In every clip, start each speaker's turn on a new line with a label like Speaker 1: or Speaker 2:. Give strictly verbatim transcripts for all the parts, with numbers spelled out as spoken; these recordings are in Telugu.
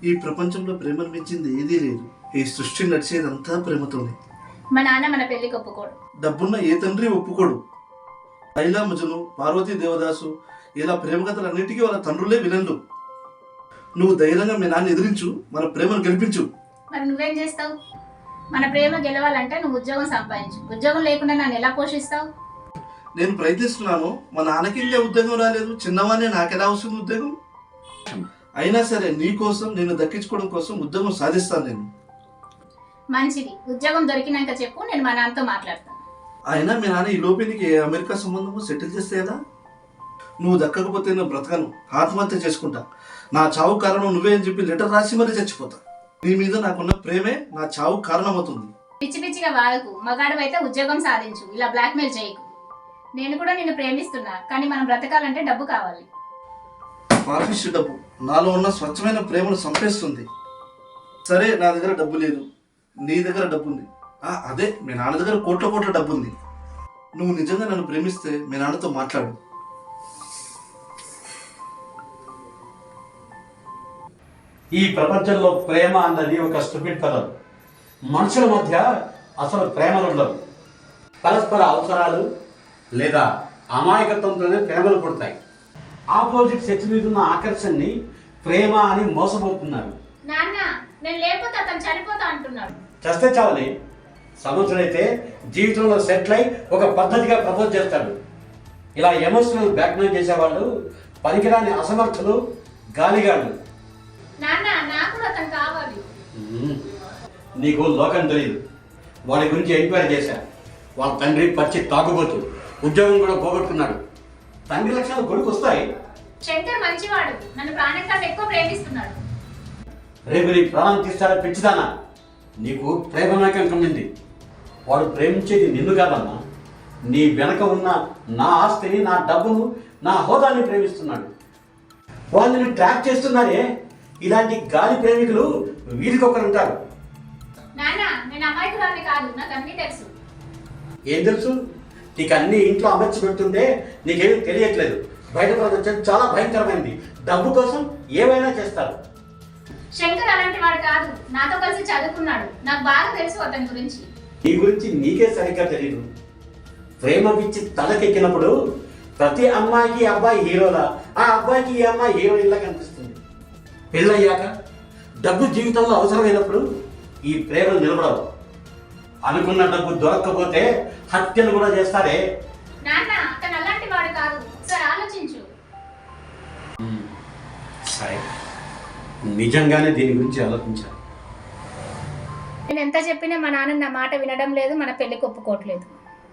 Speaker 1: ఈ ప్రపంచంలో ప్రేమను మించింది ఏదీ లేదు. ఈ సృష్టి నడిచేదంతా ప్రేమతోనే.
Speaker 2: మా నాన్న మన పెళ్లికి ఒప్పుకోడు.
Speaker 1: డబ్బున్న ఏ తండ్రి ఒప్పుకోడు. లైలా మజను, పార్వతీ దేవదాసు ఇలా ప్రేమ కథలన్నిటికీ వాళ్ళ తండ్రులే విలన్లు. నువ్వు ధైర్యంగా మీ నాన్న ఎదిరించు, మన ప్రేమను గెలిపించు.
Speaker 2: మరి నువ్వేం చేస్తావు? మన ప్రేమ గెలవాలంటే నువ్వు ఉద్యోగం సంపాదించు. ఉద్యోగం లేకుండా నన్ను ఎలా పోషిస్తావు?
Speaker 1: నేను ప్రయత్నిస్తున్నాను. మా నాన్నకి ఇంకా ఉద్యోగం రాలేదు. చిన్నవానే నాకెలా వస్తుంది ఉద్యోగం? అయినా సరే నీ కోసం నేను దక్కించుకోవడం కోసం ఉద్యోగం సాధిస్తాను నేను.
Speaker 2: మంచిది, ఉద్యోగం దొరికినాక చెప్పు, నేను మా నాన్నతో మాట్లాడతాను.
Speaker 1: అయినా మీ నాన్న ఈ లోపే నీకు ఏ అమెరికా సంబంధము సెటిల్ చేస్తే ఎలా? నువ్వు దక్కకపోతే నేను బ్రతకను, ఆత్మహత్య చేసుకుంటా. నా చావు కారణం నువ్వే అని చెప్పి లెటర్ రాసి మరీ చచ్చిపోతా. నీ మీద నాకున్న ప్రేమే నా చావు కారణం అవుతుంది.
Speaker 2: పిచ్చి పిచ్చిగా వాడకు. మగాడు అయితే ఉద్యోగం సాధించు, ఇలా బ్లాక్మెయిల్ చేయకు. నేను కూడా నిన్ను ప్రేమిస్తున్నా, కానీ మనం బ్రతకాలంటే డబ్బు కావాలి.
Speaker 1: పాపిష్టి డబ్బు నాలో ఉన్న స్వచ్ఛమైన ప్రేమను చంపేస్తుంది. సరే, నా దగ్గర డబ్బు లేదు, నీ దగ్గర డబ్బు ఉంది. అదే మీ నాన్న దగ్గర కోట్ల కోట్ల డబ్బు ఉంది. నువ్వు నిజంగా నన్ను ప్రేమిస్తే మీ నాన్నతో మాట్లాడు.
Speaker 3: ఈ ప్రపంచంలో ప్రేమ అన్నది ఒక స్టూపిడ్ పదం. మనుషుల మధ్య అసలు ప్రేమలు ఉండవు. పరస్పర అవసరాలు లేదా అమాయకత్వంతోనే ప్రేమలు పుడతాయి. ఆపోజిట్ సెక్స్ మీద ఉన్న ఆకర్షణని ప్రేమ అని మోసపోతున్నారు.
Speaker 2: నాన్న, నేను లేకపోతే అతను చనిపోతా అంటున్నాడు.
Speaker 3: చస్తే చావని సమర్థుడైతే జీవితంలో సెటిల్ అయి ఒక పద్ధతిగా ప్రపోజ్ చేస్తాడు. ఇలా ఎమోషనల్ బ్లాక్మెయిల్ చేసేవాళ్ళు పనికిరాని అసమర్థులు, గాలిగాళ్ళు.
Speaker 2: నాన్న, నాకు అతను కావాలి.
Speaker 3: నీకు లోకం తెలియదు. వాడి గురించి ఎంక్వైరీ చేశా. వాళ్ళ తండ్రి పచ్చి తాగుబోతు, ఉద్యోగం కూడా పోగొట్టుకున్నాడు. తండ్రి లక్షణాలు కొడుకు వస్తాయి.
Speaker 2: శంకర్ మంచివాడు, నన్ను ప్రాణం కంటే ఎక్కువ ప్రేమిస్తున్నాడు.
Speaker 3: రేపు నీ ప్రాణం తీస్తాడా పిచ్చిదానా? నీకు ప్రేమ నాకం కమ్మింది. వాడు ప్రేమించేది నిన్ను కాదమ్మా, నీ వెనక ఉన్న నా ఆస్తిని, నా డబ్బును, నా హోదాని ప్రేమిస్తున్నాడు. వాళ్ళని ట్రాక్ చేస్తున్నారే ఇలాంటి గాలి ప్రేమికులు వీరికొకరు ఉంటారు.
Speaker 2: నాన్న, నేను అమాయకురాలిని కాదు, నాకు అన్నీ తెలుసు.
Speaker 3: ఏం తెలుసు? నీకు అన్ని ఇంట్లో అమర్చి పెడుతుంటే నీకేమీ తెలియట్లేదు. బయట ప్రపంచం చాలా భయంకరమైంది. డబ్బు కోసం ఏమైనా చేస్తారు.
Speaker 2: శంకర్ అలాంటి వాడు కాదు, నాతో కలిసి చదువుకున్నాడు. నాకు బాగా తెలుసు అతని గురించి.
Speaker 3: నీ గురించి నీకే సరిగ్గా తెలియదు. ప్రేమ పిచ్చి తలకెక్కినప్పుడు ప్రతి అమ్మాయికి అబ్బాయి హీరోలా, ఆ అబ్బాయికి ఈ అమ్మాయి హీరోయిన్లా కనిపిస్తుంది. పెళ్ళయ్యాక డబ్బు జీవితంలో అవసరమైనప్పుడు ఈ ప్రేమలు నిలబడవు. అనుకున్న డబ్బు దొరక్కపోతే హత్యలు కూడా చేస్తారే.
Speaker 2: నాన్న, అతను అలాంటి వాడు కాదు, ఒకసారి ఆలోచించు.
Speaker 3: సరే, నిజంగానే దీని గురించి ఆలోచించాను.
Speaker 2: నేను ఎంత చెప్పినా మా నాన్న నా మాట వినడం లేదు, మన పెళ్లికి ఒప్పుకోవట్లేదు.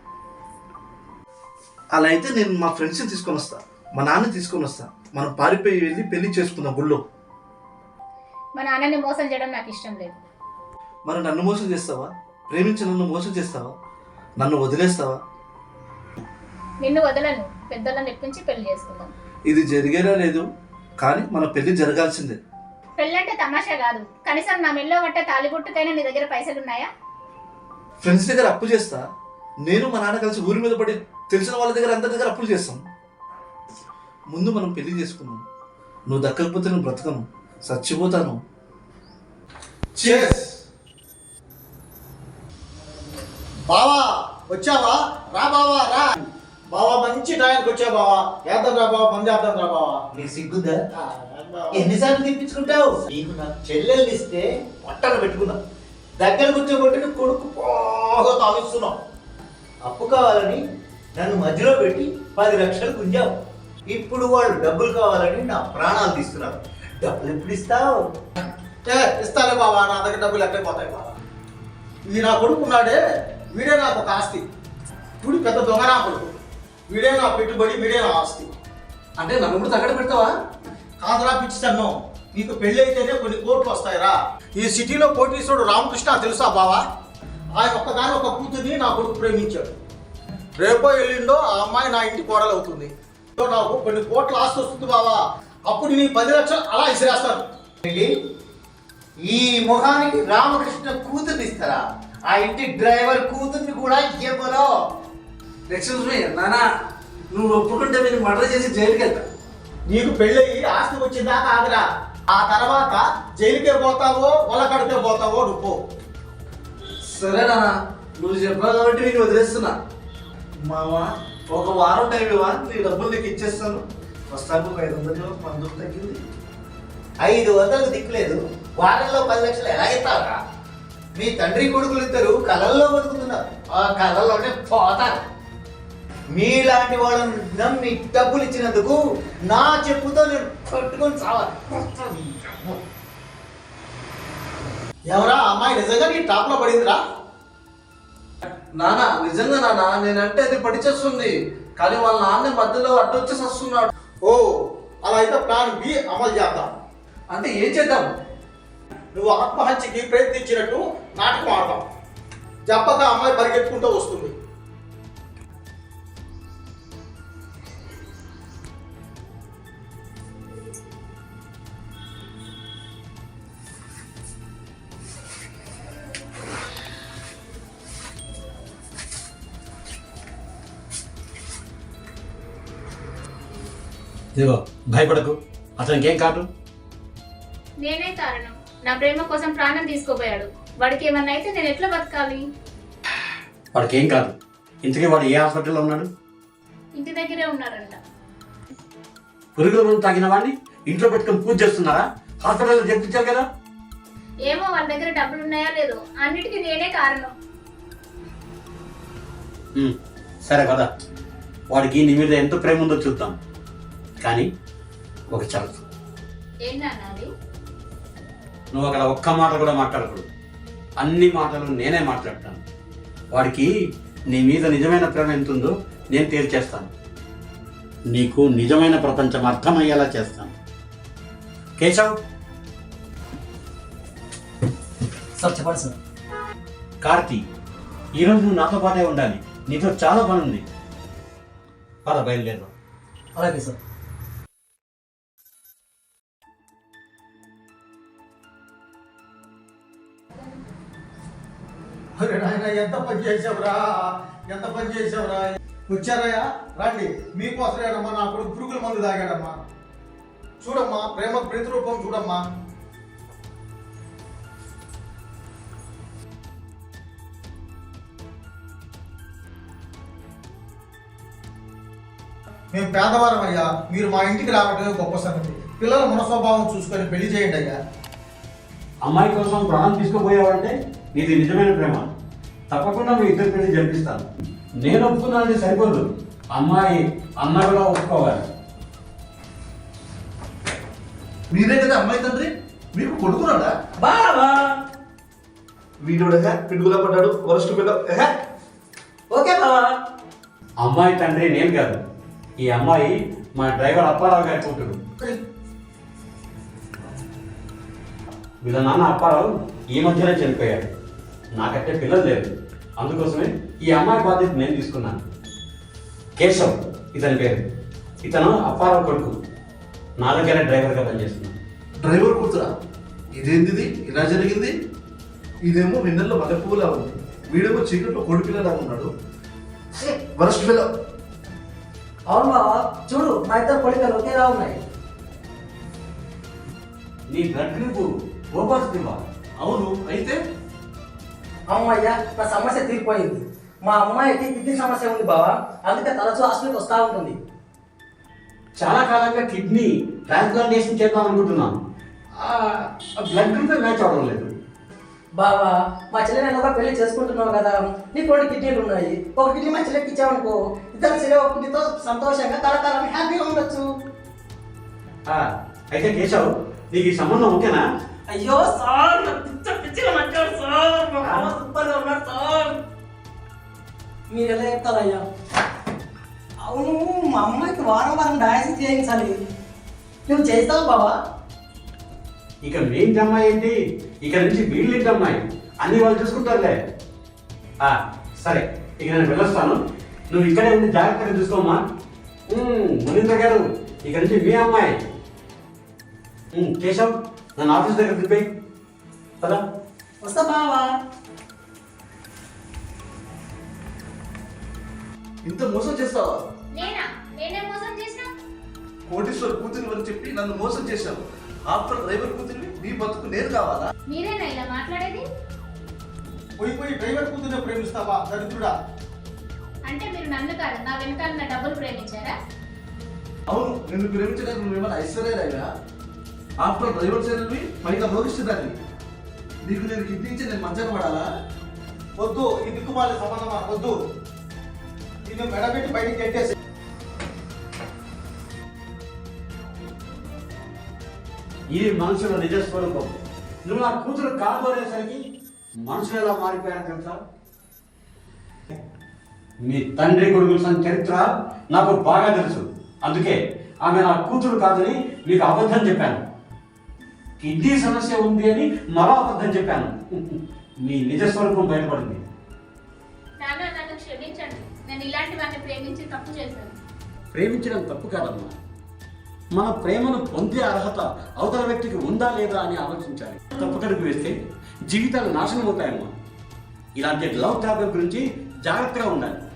Speaker 1: అలా అయితే నేను మా ఫ్రెండ్స్ని తీసుకొని వస్తా, మా నాన్న తీసుకొని వస్తా. మనం పారిపోయి వెళ్ళి పెళ్లి చేసుకుందాం గుళ్ళో.
Speaker 2: మా నాన్నని మోసం చేయడం నాకు ఇష్టం లేదు.
Speaker 1: మరి నన్ను మోసం చేస్తావా? ప్రేమించి నన్ను మోసం చేస్తావా? నన్ను వదిలేస్తావా?
Speaker 2: నిన్ను వదలను, పెద్దలను ఎప్పించి పెళ్లి చేసుకుందాం.
Speaker 1: ఇది జరిగేలా లేదు, కానీ మన పెళ్లి జరగాల్సిందే.
Speaker 2: పెళ్ళంటే తమాషా కాదు. కనీసం నా మెల్లో కట్టే తాలిబొట్టుకైనా నీ దగ్గర పైసలు ఉన్నాయా?
Speaker 1: ఫ్రెండ్స్ దగ్గర అప్పు చేస్తా. నేను మా నాన్న కలిసి ఊరి మీద పడి తెలిసిన వాళ్ళ దగ్గర అందరి దగ్గర అప్పులు చేస్తాం. ముందు మనం పెళ్లి చేసుకుందాం. నువ్వు దక్కకపోతే నేను బ్రతకను, చచ్చిపోతాను.
Speaker 4: బావా వచ్చావా? రా బావా రా. బావా మంచి టైంకి వచ్చా బావా. వేద్దాం రా బావా, మంది వేద్దాం రా బావా.
Speaker 5: నీకు సిగ్గుందా? ఎన్నిసార్లు తెప్పించుకుంటావు?
Speaker 4: నీకు నా చెల్లెల్ని ఇస్తే పట్టణ పెట్టుకున్నా, దగ్గర కూర్చోబెట్టి కొడుకు బాగా తాగిస్తున్నావు.
Speaker 5: అప్పు కావాలని నన్ను మధ్యలో పెట్టి పది లక్షలు గుంజావు. ఇప్పుడు వాళ్ళు డబ్బులు కావాలని నా ప్రాణాలు తీస్తున్నారు. డబ్బులు ఎప్పుడు ఇస్తావు?
Speaker 4: ఏ ఇస్తాలే బావా, నా దగ్గర డబ్బులు ఎక్కడిపోతాయి బావా. ఇది నా కొడుకు ఉన్నాడే, వీడే నాకు ఒక ఆస్తి. ఇప్పుడు పెద్ద దొంగ నా కొడుకు, వీడే నా పెట్టుబడి, వీడే నా ఆస్తి.
Speaker 1: అంటే నన్ను కూడా తగ్గడ పెడతావా?
Speaker 4: కాదురా పిచ్చితన్ను, నీకు పెళ్ళి అయితేనే కొన్ని కోట్లు వస్తాయిరా. ఈ సిటీలో కోటీశ్వరుడు రామకృష్ణ తెలుసా బావా? ఆయన ఒక్కదాని ఒక కూతుర్ని నా కొడుకు ప్రేమించాడు. రేపో ఎల్లుండో ఆ అమ్మాయి నా ఇంటి కోడలు అవుతుంది. నాకు కొన్ని కోట్ల ఆస్తి వస్తుంది బావా. అప్పుడు నీ పది లక్షలు అలా ఇసిరేస్తాను.
Speaker 5: ఈ మొహానికి రామకృష్ణ కూతుర్ని ఇస్తారా? ఆ ఇంటి డ్రైవర్ కూతుర్ని కూడా ఇవ్వరు.
Speaker 1: ఎక్స్క్యూజ్ మీ నానా, నువ్వు ఒప్పుకుంటే మీరు మర్డర్ చేసి జైలుకి వెళ్తా.
Speaker 4: నీకు పెళ్ళయి ఆస్తి వచ్చిందాకా ఆగరా. ఆ తర్వాత జైలుకే పోతావో వలకడికే పోతావో నువ్వు పో.
Speaker 1: సరే నాన్న, నువ్వు చెప్పావు కాబట్టి నేను వదిలేస్తున్నా. మావా, ఒక వారం టైం ఇవ్వా, నీ డబ్బులు నీకు ఇచ్చేస్తాను. వస్తాను ఒక ఐదు వందలు మందుకు తగ్గింది.
Speaker 5: ఐదు వందలకు దిక్కులేదు, వారంలో పది లక్షలు ఎలా ఇస్తారా? మీ తండ్రి కొడుకులు ఇద్దరు కళల్లో బతుకుతున్నారు, ఆ కళల్లోనే పోతారు. మీలాంటి వాళ్ళని నమ్మి డబ్బులు ఇచ్చినందుకు నా చెప్పుతో నేను పట్టుకొని చావాలి.
Speaker 4: ఎవరా అమ్మాయి నిజంగా నీ టాప్ లో పడిందిరా?
Speaker 1: నాన్న, నిజంగా నాన్న, నేనంటే అది పడిచేస్తుంది, కానీ వాళ్ళ నాన్న మధ్యలో అడ్డొచ్చేసి వస్తున్నాడు.
Speaker 4: ఓ, అలా అయితే ప్లాన్ బి అమలు చేద్దాం.
Speaker 1: అంటే ఏం చేద్దాం?
Speaker 4: నువ్వు ఆత్మహత్యకి ప్రయత్నించినట్టు నాటకం ఆడతాం. చెప్పక అమ్మాయి పరిగెత్తుకుంటూ వస్తుంది.
Speaker 3: ఇదిగో భయపడకు, అతనికి ఏం కాదు.
Speaker 2: నేనే కారణం. నా ప్రేమ కోసం ప్రాణం తీసుకోపోయాడు. వాడికి ఏమన్నా అయితే నేను ఎట్లా బతకాలి?
Speaker 3: వాడికి ఏం కాదు. ఇంతకీ వాడు ఏ హాస్పిటల్లో ఉన్నాడు?
Speaker 2: ఇంటి దగ్గరే ఉన్నారంట.
Speaker 3: పురుగుల మందు తాగిన వాడిని ఇంట్లో పెట్టుకొని పూజ చేస్తున్నారా? హాస్పిటల్లో చెప్పించారు కదా.
Speaker 2: ఏమో వాళ్ళ దగ్గర డబ్బులు ఉన్నాయా లేదో, అన్నిటికీ నేనే కారణం.
Speaker 3: ఉమ్, సరే కదా, వాడికి నీ మీద ఎంత ప్రేమ ఉందో చూద్దాం. కానీ ఒక షరతు.
Speaker 2: ఏంటన్నది?
Speaker 3: నువ్వు అక్కడ ఒక్క మాట కూడా మాట్లాడకూడదు. అన్ని మాటలు నేనే మాట్లాడతాను. వాడికి నీ మీద నిజమైన ప్రేమ ఎంత ఉందో నేను తేల్చేస్తాను. నీకు నిజమైన ప్రపంచం అర్థమయ్యేలా చేస్తాను. కేశవ్,
Speaker 6: సార్ చెప్పండి సార్.
Speaker 3: కార్తీ, ఈరోజు నువ్వు నాతో పాటే ఉండాలి. నీతో చాలా పని ఉంది. పద బయలుదేరు.
Speaker 6: అలాగే సార్.
Speaker 4: అరే నాయన, ఎంత పని చేసావురా, ఎంత పని చేసావురా. వచ్చారయ్యా, రండి. మీకోసమేనమ్మా నా కొడుకు పురుగుల మందు తాగాడమ్మా. చూడమ్మా, ప్రేమ ప్రతిరూపం చూడమ్మా. మేము పేదవారం అయ్యా, మీరు మా ఇంటికి రావడమే గొప్ప సంగతి. పిల్లల మనస్వభావం చూసుకొని పెళ్లి చేయండి అయ్యా.
Speaker 3: అమ్మాయి కోసం ప్రాణం తీసుకుపోయావంటే నీది నిజమైన ప్రేమ. తప్పకుండా మీ ఇద్దరు పెళ్లి జరిపిస్తాను. నేను ఒప్పుకున్నానంటే సరిపోదు, అమ్మాయి అన్న కూడా ఒప్పుకోవాలి.
Speaker 1: మీరే కదా అమ్మాయి తండ్రి, మీకు కొడుకున్నాడా?
Speaker 6: బావా
Speaker 1: వీడుగా పిడుగులా పడ్డాడు, వరస్ట్ పిల్ల.
Speaker 6: ఓకే బావా.
Speaker 3: అమ్మాయి తండ్రి నేను కాదు, ఈ అమ్మాయి మా డ్రైవర్ అప్పారావు గారి కూతురు. వీళ్ళ నాన్న అప్పారావు ఈ మధ్యనే చనిపోయాడు. నాకంటే పిల్లలు లేరు, అందుకోసమే ఈ అమ్మాయి బాధ్యత నేను తీసుకున్నాను. కేశవ్ ఇతని పేరు. ఇతను అప్పారావు కొడుకు. నా దగ్గర డ్రైవర్గా పనిచేస్తున్నాను.
Speaker 1: డ్రైవర్ కూతురా? ఇదేంటిది ఇలా జరిగింది? ఇదేమో వెన్నెల్లో మల్లెపువ్వులా ఉంది, వీడేమో చీకట్లో కోడి పిల్లలా ఉన్నాడు. వరస్ట్ పిల్ల.
Speaker 6: అవును బావా, చూడు మా ఇద్దరు పొడికలు ఒకేలా ఉన్నాయి.
Speaker 3: నీ బ్లడ్ గ్రూప్ ఓ పాజిటివా?
Speaker 1: అవును, అయితే
Speaker 6: అమ్మయ్యా, నా సమస్య తీరిపోయింది. మా అమ్మాయికి కిడ్నీ సమస్య ఉంది బావా, అందుకే తరచూ హాస్పిటల్కి వస్తూ ఉంటుంది.
Speaker 3: చాలా కాలంగా కిడ్నీ ట్రాన్స్ప్లాంటేషన్ చేద్దాం అనుకుంటున్నాను. బ్లడ్ గ్రూప్ మ్యాచ్ అవడం లేదు.
Speaker 6: బావా, మా చెల్లి నేను ఒక పెళ్లి చేసుకుంటున్నావు కదా, నీకు రెండు కిడ్నీలు ఉన్నాయి. ఒక కిడ్నీ మా చెల్లెకి ఇచ్చావనుకో, ఇద్దరు చెల్లె ఒక కిడ్నీతో సంతోషంగా కలకాలం హ్యాపీగా ఉండొచ్చు.
Speaker 3: ఆ, అయితే కేశవ్, నీకు ఈ సంబంధం ఓకేనా?
Speaker 6: అయ్యో సార్, నా పిచ్చ పిచ్చిగా నచ్చాడు సార్, మా బావ సూపర్గా ఉన్నాడు సార్. మీరు ఎలా చెప్తారయ్యా? అవును, మా అమ్మాయికి వారం వారం డయాలసిస్ చేయించాలి. నువ్వు చేస్తావు బావా?
Speaker 3: ఇక మీ ఇంటి అమ్మాయి ఏంటి, ఇక నుంచి వీళ్ళ ఇంటి అమ్మాయి, అన్ని వాళ్ళు చూసుకుంటారులే. ఆ, సరే, ఇక నేను వెళ్ళొస్తాను. నువ్వు ఇక్కడే ఉండి జాగ్రత్తగా చూసుకోమ్మా. మునీంద్ర గారు, ఇక నుంచి మీ అమ్మాయి. ఉమ్, కేశవ్, నన్ను ఆఫీస్ దగ్గర దింపేయి కదా.
Speaker 6: వస్తా బావా.
Speaker 1: ఇంత మోసం చేస్తావా?
Speaker 2: నేనా? నేనే మోసం చేసినా?
Speaker 1: కోటీశ్వర కూతురు అని చెప్పి నన్ను మోసం చేశావు. ఆఫ్టర్ డ్రైవర్ కూతురివి నీ బతుకు నేను కావాలా?
Speaker 2: మీరేనా ఇలా మాట్లాడేది?
Speaker 4: పోయి పోయి డ్రైవర్ కూతుర్నే ప్రేమిస్తావా దరిద్రుడా?
Speaker 2: అంటే మీరు నన్ను కాదు నా వెనకాల నా డబ్బులు ప్రేమించారా?
Speaker 1: అవును, నిన్ను ప్రేమించడానికి నువ్వేమన్నా ఐశ్వర్యరాయా? ఆఫ్టర్ డ్రైవర్ చెల్లెల్వి పైగా భవిష్యత్తుదాన్ని. నీకు నేను కిడ్నీ ఇచ్చి నేను మంచాన పడాలా?
Speaker 4: వద్దు, ఈ దిక్కుమాలి సంబంధమా వద్దు. నిన్ను మెడబెట్టి బయటికి గెట్టేసి
Speaker 3: ఇది మనుషుల నిజ స్వరూపం. నువ్వు నా కూతురు కాదు అనేసరికి మనుషులు ఎలా మారిపోయారు తెలుసా? మీ తండ్రి కొడుకుల సంగతి చరిత్ర నాకు బాగా తెలుసు. అందుకే ఆమె నా కూతురు కాదని మీకు అబద్ధం చెప్పాను. కిడ్నీ సమస్య ఉంది అని మరో అబద్ధం చెప్పాను. మీ నిజ స్వరూపం బయటపడింది.
Speaker 2: నాన్న నన్ను క్షమించండి, నేను ఇలాంటి వాడిని ప్రేమించి తప్పు చేశాను.
Speaker 3: ప్రేమించడం తప్పు కాదమ్మా. మన ప్రేమను పొందే అర్హత అవతల వ్యక్తికి ఉందా లేదా అని ఆలోచించాలి. తప్పుకడుగు వేస్తే జీవితాలు నాశనం అవుతాయమ్మా. ఇలాంటి లవ్ ట్రాబుల్ గురించి జాగ్రత్తగా ఉండాలి.